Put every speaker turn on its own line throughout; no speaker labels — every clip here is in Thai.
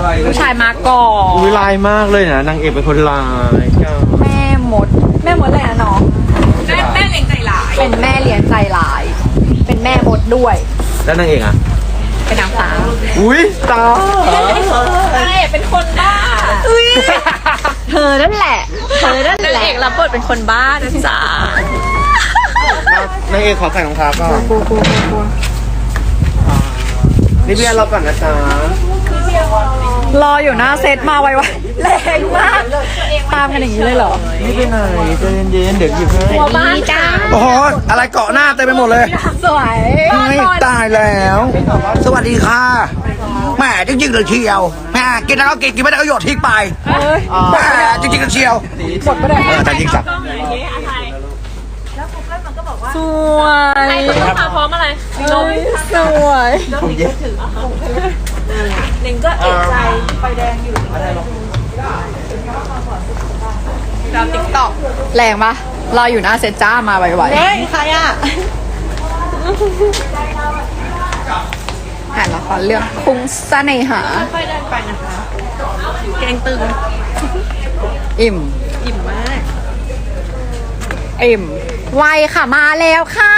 ผู้ชายมาก่อน
อุ้ยลายมากเลยนะนางเอกเป็นคนลายจ้า
แม่มดเลยนะน้องแม่เลี้ยงใจหลายเป็นแม่เลี้ยงใจหลาย เป็นแม่มดด้วย
แล้วนางเอกอ่ะ
เป็นนางฟ้า
อุ้ยตา
ใช่เป็นคนบ้าอุ้ยเธอนั่นแหละนางเอกรับบทเป็นคนบ้านะจ๊ะ
นางเอกขอใส่รองเท้าก่อนนี่เบียร์เราก่อนนะจ๊ะ
รออยู่หน้าเซตมาไวๆแรงมากตามกันอย่างนี้เลยเหรอ
นี่ไปไหนใจเย็นๆเดี๋ยวหยิบให้
หัวบ้านจ้า
โอ้โหอะไรเกาะหน้าเต็มไปหมดเลย
สวย
ไม่ตายแล้ว สวัสดีค่ะแหมจริงๆเลยเชียวแหมกินแล้วก็กินไม่ได้ก็โยนทิ้งไปแหมจริงๆเลยเชียวแต่ยิงสับ
สวยพร้อมอะไรนมสวยหนิงก็เอกใจไฟแดงอยู่ดาวติ๊กต็อกแรงปะรออยู่หน้าเซตจ้ามาไวๆเฮ้ยใครอ่ะอ่านละครเรื่องคุ้งเสน่หาค่อยเดินไปนะคะแกงตึงอิ่มมากอิ่มไวค่ะมาแล้วค่ะ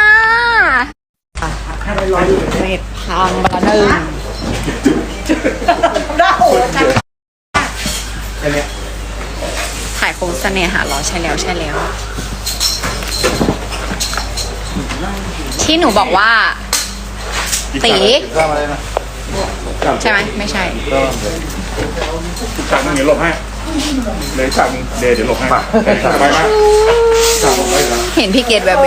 เน็ตพังบาหนึ่งถ่ายโค้งเสน่หาเหรอใช่แล้วที่หนูบอกว่าตีใช่ไหมไม่ใช่
ฉากนึงเดี๋ยวหลบให้เลยฉากนึงเดี๋ยวหลบให้ไปมาฉากหลบให้แล้ว
เห็นพี่เกดแบบ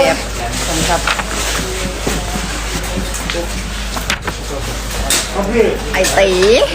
ไอตี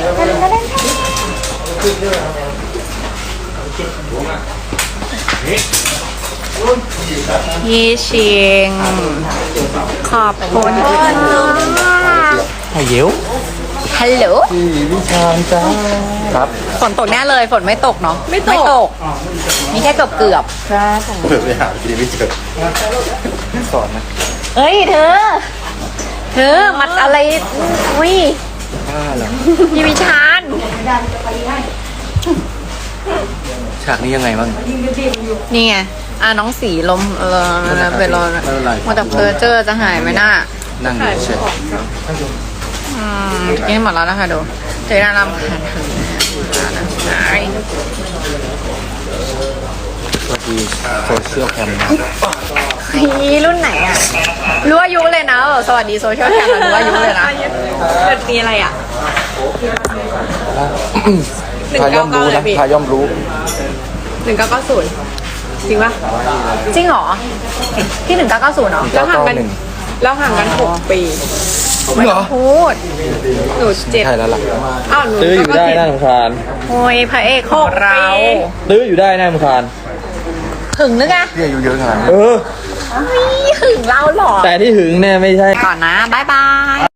พี่ชิงขอบคุณค่ะ
ไข่เยี่ยว
ฮัลโหล
วิชาจ้าครับ
ฝนตกแน่เลยฝนไม่ตกเนาะไม่ตกมีแค่เกือบ
เปิดไปหากินไม่เจอสอนนะ
เฮ้ยเธอมัดอะไรอุ้ย
บ้าเหรอ
พี่วิชาน
ฉากนี้ยังไงบ้าง
นี่ไงน้องสีลมเป็นรอ
ไม่เป็นไร
มาแต่เพอเจอจะหายไหมน่ะ
นั่งอยู่เฉย
กินหมดแล้วนะคะดูเจน่ารำคาญถึงหาย
สวัสดีโซเชียลแคม
รุ่นไหนอ่ะรู้อายุเลยนะสวัสดีโซเชียลแคมรู้อายุเลยนะเกิดปีอะไรอ่ะ
พาย่อมรู้นะพาย่อมรู้
1990จริงปะจริงเหรอที่1990เหรอแล้วห่างกัน6 ปีไม่ต้องพูดหนู7
ใช่แล้วล่ะ
อ้าวหนู
ตื้ออยู่ได้น่ารำคาญ
โอ้ยพระเอกของเรา
ตื้ออยู่ได้น่ารำคาญ
หึงหรือไง
พี่อายุเยอะขนาดนี้
เออ
หึงเราหรอ
แต่ที่หึงเนี่ยไม่ใช่
ก่อนนะบายบาย